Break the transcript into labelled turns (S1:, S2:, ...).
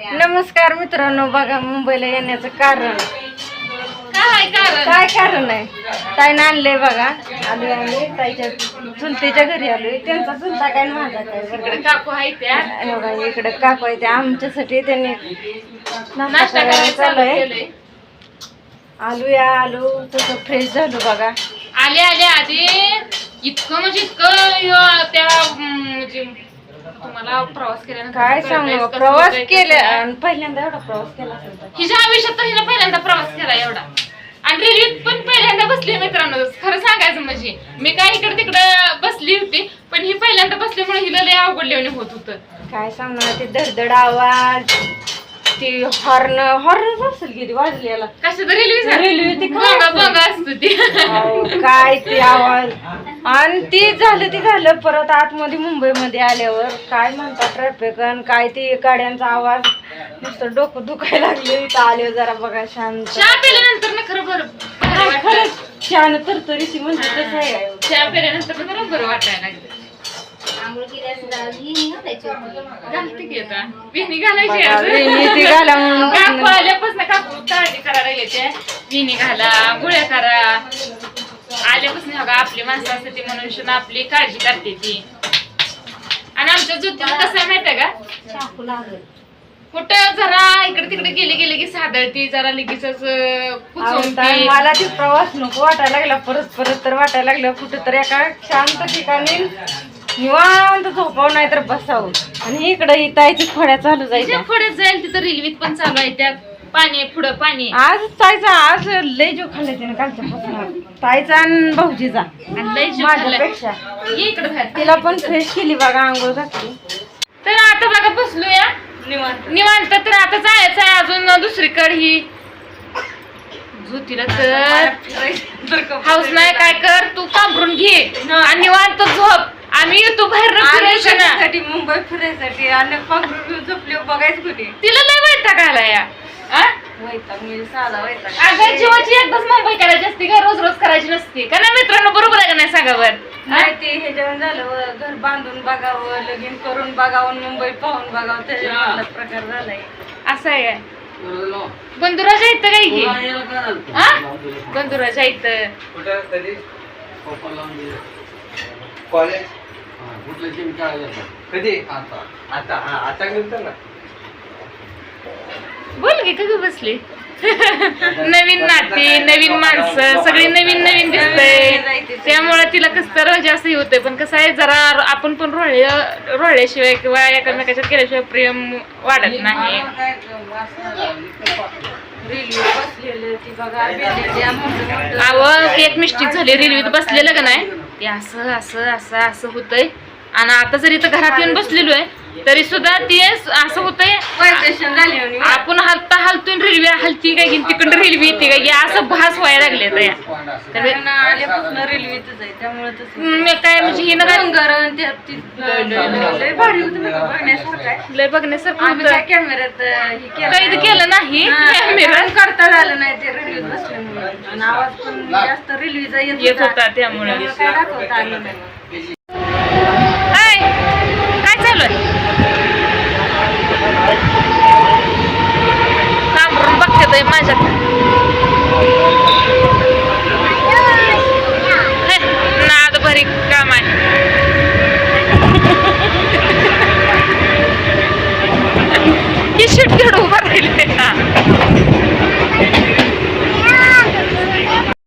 S1: नमस्कार मित्रांनो, बघा मुंबईला येण्याचं कारण काय कारण आहे. ताईनं आणलंय बघा. आलोय आम्ही ताईच्या चुलतीच्या घरी आलोय. त्यांचा चुलता काय माझा काय
S2: काकू आहे त्या
S1: बघा. इकडे काकू आहे त्या आमच्यासाठी त्यांनी नाश्ता करायला चालूय. आलो तसं फ्रेश झालो बघा.
S2: आले आधी इतकं म्हणजे इतकं त्या म्हणजे तुम्हाला प्रवास केल्यानंतर
S1: काय सांगू, प्रवास केला पहिल्यांदा एवढा प्रवास केला
S2: हिच्या आयुष्यात तर हिनं पहिल्यांदा प्रवास केला एवढा. आणि रेल्वेत पण पहिल्यांदा बसली मित्रांनो. खरं सांगायचं म्हणजे मी काय इकडे तिकडे बसली होती, पण ही पहिल्यांदा बसल्यामुळे हिला लय अवघडल्याने होत होतं.
S1: काय सांगणार, ते धडधड आवाज, ती हॉर्न असेल किती वाजलेला.
S2: कसं तर रेल्वे
S1: ती
S2: बघा असतो ती
S1: काय ते आवाज. आणि ती झालं परत आतमध्ये मुंबईमध्ये आल्यावर काय म्हणतात ट्रॅफिक आणि काय ते गाड्यांचा आवाज, नुसतं डोकं दुखायला लागले. इथं आले जरा बघा शांत.
S2: चहा पिल्यानंतर ना खरं
S1: खरंच छान तरतरीची म्हणजे तसं आहे.
S2: चहा पिल्यानंतर बरोबर वाटायला लागलं. काकू आल्यापासून काकू काळजी करायला येते. विणी घाला, गुळ्या करा. आल्यापासून आपली माणसं असते ती म्हणून आपली काळजी करते ती. आणि आमच्या ज्योतीला कसं आहे माहितीये का, कुठं जरा इकडे तिकडे गेले की सादळती जरा लगेच.
S1: मला ते प्रवास नको वाटायला लागला. परत तर वाटायला लागलं कुठं तर एका शांत ठिकाणी निवांत झोपावं नाही तर बसावं. आणि इकडं इथं खोड्या चालू जायच्या.
S2: खोड्यात जाईल तिथं रेल्वेत पण चालू आहे. त्या पाणी पुढं पाणी.
S1: आज लय जो खाल्लाय त्याने कालच्यापासून. ताईचा आणि भाऊजीचा माझ्यापेक्षा.
S2: इकडे
S1: तिला पण फ्रेश केली बघा, आंघोळ घातली.
S2: तर आता बघा बसलोया निवांत. तर आता जायचं आहे अजून दुसरीकडे. ही ज्योतीला तर हाऊस नाही. काय कर तू पांघरून घे आणि निवांत झोप. आम्ही येतो बाहेर फिरायसाठी,
S1: मुंबई फिरायसाठी. आणि पांघरून झोपली बघायचं कुठे.
S2: तिला लय वैताग आला या. अगं जीवाची एकदाच मुंबई करायची असते का, रोज करायची नसते का ना मित्रांनो. बरोबर आहे का नाही सांगा बरं.
S1: नाही ते हे जेवण झालं, घर बांधून बघावं, लगीन करून बघावं, मुंबई पाहून बघावं, त्याच्या प्रकार झालाय.
S2: असं आहे. बंधुराजा इथं काय घे बंधुराजा इथं बोल गे का बसली. नवीन नाती, नवीन माणसं, सगळी नवीन दिसतंय. त्यामुळे तिला कसं तर जास्त होतंय. पण कसं आहे, जरा आपण पण रोळल्याशिवाय किंवा एकमेकाच्यात केल्याशिवाय प्रेम वाढत नाही. एक मिस्टेक झाली रेल्वेत बसलेलं का नाही, ते असं होतंय. आणि आता जरी इथं घरात येऊन बसलेलो आहे तरी सुद्धा ती असं होतंय, आपण हलतोय रेल्वे हलती काय तिकडे रेल्वे येते काय असं भास व्हायला लागले. त्यामुळे काय म्हणजे ही लय बघण्यासारखं कॅमेऱ्यात कैद केलं नाही. कॅमेरा
S1: करता झालं नाही ते रेल्वेत बसल्यामुळे. आवाज पण जास्त रेल्वेचा
S2: येत होता त्यामुळे
S1: काय दाखवता आलं नाही.
S2: काय चालू आहे. कांबरून बघते माझ्यात. नाद भरी काम आहे. ही शिट घेऊन उभं राहिले.